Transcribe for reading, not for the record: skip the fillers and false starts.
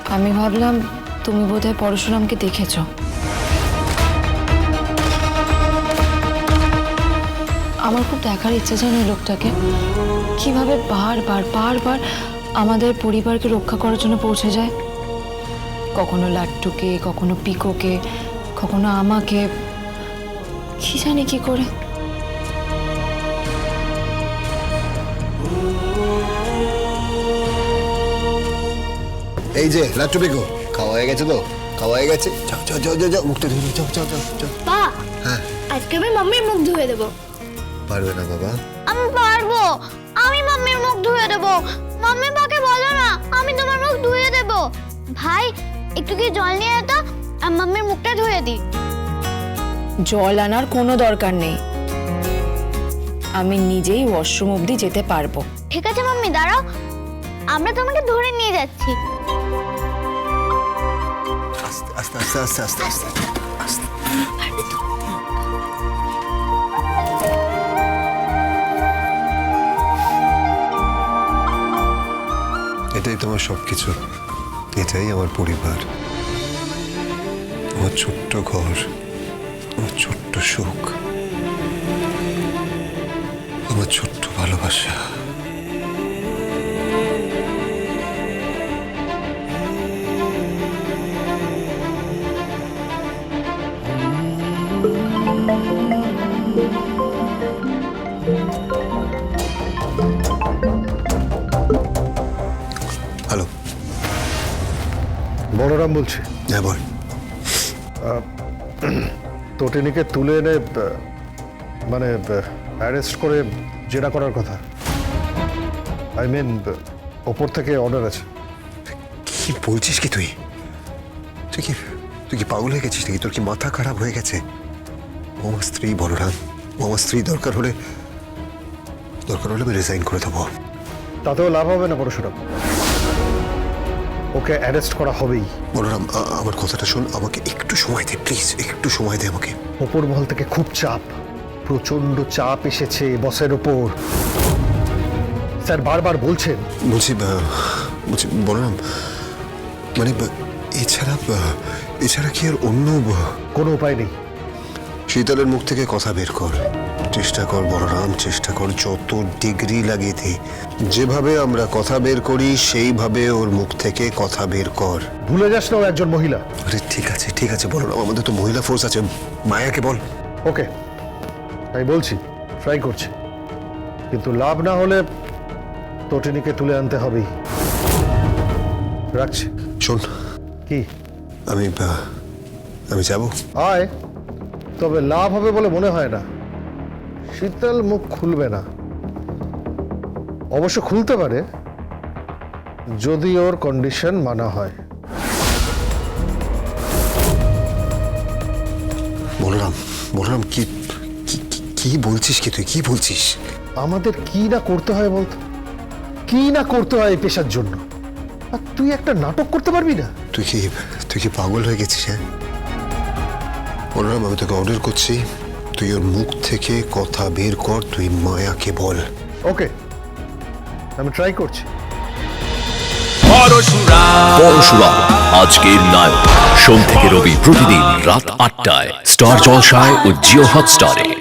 আমি ভাবলাম তুমি বোধহয় পরশুরামকে দেখেছ। আমার খুব দেখার ইচ্ছা জানো এই লোকটাকে, কিভাবে বারবার বারবার আমাদের পরিবারকে রক্ষা করার জন্য পৌঁছে যায়। কখনো লাট্টুকে, কখনো পিকোকে, কখনো আমাকে, কি জানি কি করে। এই যে লাট্টু পিকো, খাওয়া হয়ে গেছে তো? খাওয়া হয়ে গেছে, যাও যাও যাও যাও, মুখটা ধুয়ে যাও যাও যাও যাও। পা, হ্যাঁ, আজকে আমি মাম্মির মুখ ধুয়ে দেবো। পারবে না বাবা। আমি পারবো, আমি মাম্মির মুখ ধুয়ে দেবো। মাম্মি পাকে বলো না, আমি তোমার মুখ ধুয়ে দেবো। ভাই একটু কি জল নিয়ে এতো, আমি মাম্মির মুখটা ধুয়ে দিই। জল আনার কোনো দরকার নেই, আমি নিজেই ওয়াশরুম অবধি যেতে পারবো। ঠিক আছে মাম্মি, দাঁড়াও, আমরা তোমাকে ধরে নিয়ে যাচ্ছি। আস্তে আস্তে আস্তে আস্তে আস্তে আস্তে আস্তে। এটাই তোমার সবকিছু, এটাই আমার পরিবার, আমার ছোট্ট ঘর, আমার ছোট্ট সুখ, আমার ছোট্ট ভালোবাসা। হ্যালো, বলরাম বলছি। হ্যাঁ বল। তটিনীকে তুলে এনে মানে অ্যারেস্ট করে জেরা করার কথা। আই মিন ওপর থেকে অর্ডার আছে। কি বলছিস কি তুই? তুই কি তুই কি পাগল হয়ে গেছিস নাকি? তোর কি মাথা খারাপ হয়ে গেছে? ও আমার স্ত্রী বলরাম, ও আমার স্ত্রী। দরকার হলে আমি রিজাইন করে দেবো। তাতেও লাভ হবে না পরশুরাম, ওকে অ্যারেস্ট করা হবেই। বলরাম, আমার কথাটা শোন, আমাকে একটু সময় দে প্লিজ, একটু সময় দে আমাকে। ওপর মহল থেকে খুব চাপ, প্রচন্ড চাপ এসেছে বসের ওপর। স্যার বারবার বলছেন। বলছি বলরাম, মানে এছাড়া কি আর অন্য কোনো উপায় নেই। শীতলের মুখ থেকে কথা বের কর, চেষ্টা কর বলরাম, চেষ্টা কর, যত ডিগ্রি লাগিয়ে দে। যেভাবে আমরা কথা বের করি সেইভাবে ওর মুখ থেকে কথা বের কর। ভুলে যাস না ও একজন মহিলা। আরে ঠিক আছে বলরাম, আমাদের তো মহিলা ফোর্স আছে। মায়াকে বল। ওকে, তাই বলছি, ট্রাই করছি, কিন্তু লাভ না হলে তটিনীকে তুলে আনতে হবেই। রাখছি। শোন, কি? আমি যাব। আয়, তবে লাভ হবে বলে মনে হয় না। শীতল মুখ খুলবে না, অবশ্য খুলতে পারে যদি ওর কন্ডিশন মানা হয়। বলরাম কি কি বলছিস? কি তুই কি বলছিস? আমাদের কি না করতে হয় বলতো, কি না করতে হয় এই পেশার জন্য, আর তুই একটা নাটক করতে পারবি না? তুই কি পাগল হয়ে গেছিস? হ্যাঁ বলরাম, আমি তোকে অর্ডার করছি, তুই ওর মুখ থেকে কথা বের কর, তুই মায়াকে বল। ওকে, আমি ট্রাই করছি। পরশুরাম আজকের নায়ক, সোম থেকে রবি প্রতিদিন রাত ৮টায় স্টার জলসায় ও জিও হটস্টারে।